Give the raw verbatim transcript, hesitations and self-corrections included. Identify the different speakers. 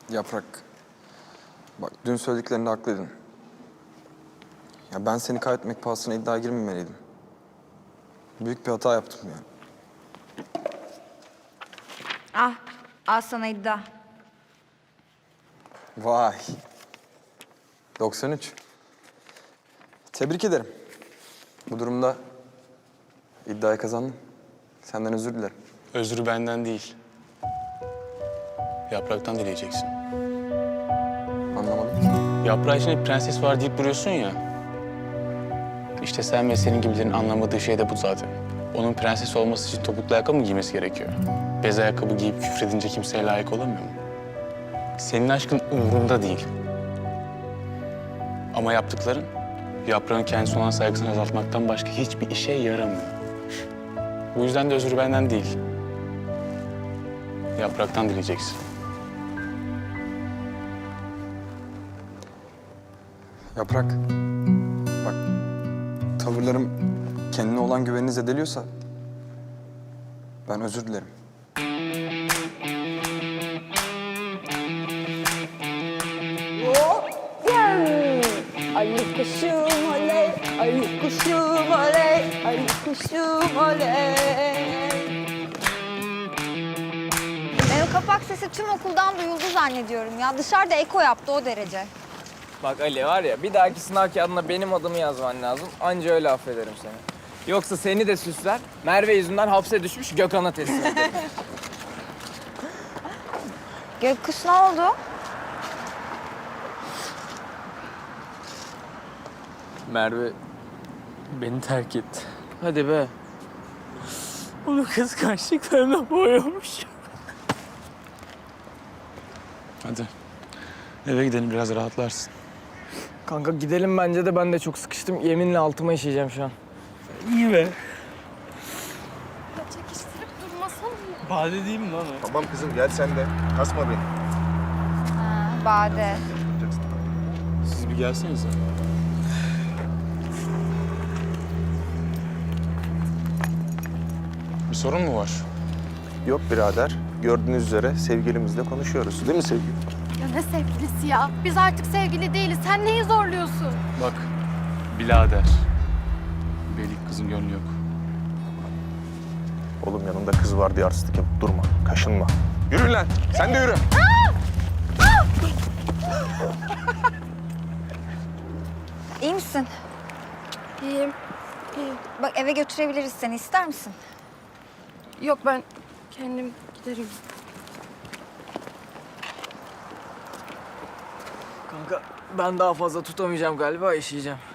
Speaker 1: Yaprak, bak dün söylediklerinde haklıydın. Ya ben seni kaybetmek pahasına iddiaya girmemeliydim. Büyük bir hata yaptım yani.
Speaker 2: Ah, al sana iddia.
Speaker 1: Vay. doksan üç. Tebrik ederim. Bu durumda iddiayı kazandım. Senden özür dilerim.
Speaker 3: Özrü benden değil. Yapraktan dileyeceksin.
Speaker 1: Anlamadım.
Speaker 3: Yaprağı içinde prenses var deyip duruyorsun ya. İşte sen ve senin gibilerin anlamadığı şey de bu zaten. Onun prenses olması için topuklu ayakkabı mı giymesi gerekiyor? Bez ayakkabı giyip küfredince kimseye layık olamıyor mu? Senin aşkın umurunda değil. Ama yaptıkların yaprağın kendisine olan saygısını azaltmaktan başka hiçbir işe yaramıyor. Bu yüzden de özür benden değil. Yapraktan dileyeceksin.
Speaker 1: Yaprak, bak tavırlarım kendine olan güvenini zedeliyorsa ben özür dilerim.
Speaker 4: Ali kuşum oley, Ali kuşum oley, Ali kuşum oley.
Speaker 2: Ben o kapak sesi tüm okuldan duyuldu zannediyorum ya. Dışarıda eko yaptı o derece.
Speaker 5: Bak Ali var ya, bir dahaki sınav kağıdına benim adımı yazman lazım. Anca öyle affederim seni. Yoksa seni de süsler, Merve yüzünden hapse düşmüş Gökhan'a teslim ederim.
Speaker 2: Gökkuş ne oldu?
Speaker 5: Merve beni terk etti. Hadi be. Onu kıskançlıklarına boyamış.
Speaker 3: Hadi. Eve gidelim, biraz rahatlarsın.
Speaker 5: Kanka gidelim bence de, ben de çok sıkıştım. Yeminle altıma işeyeceğim şu an. İyi be.
Speaker 6: Çekiştirip durmasana.
Speaker 5: Bade değil mi lan o?
Speaker 7: Tamam kızım gel sen de. Kasma beni.
Speaker 2: Ha, Bade.
Speaker 3: Siz bir gelsenize. Bir sorun mu var?
Speaker 7: Yok birader. Gördüğünüz üzere sevgilimizle konuşuyoruz. Değil mi sevgilim?
Speaker 6: Ya ne sevgilisi ya? Biz artık sevgili değiliz. Sen neyi zorluyorsun?
Speaker 3: Bak, birader. Belik kızın gönlü yok.
Speaker 7: Oğlum yanında kız var diye artistik yapıp durma. Kaşınma. Yürü lan. Sen de yürü.
Speaker 2: İyi misin?
Speaker 6: İyiyim. İyiyim.
Speaker 2: Bak eve götürebiliriz seni. İster misin?
Speaker 6: Yok ben kendim giderim.
Speaker 5: Kanka ben daha fazla tutamayacağım galiba, işeyeceğim.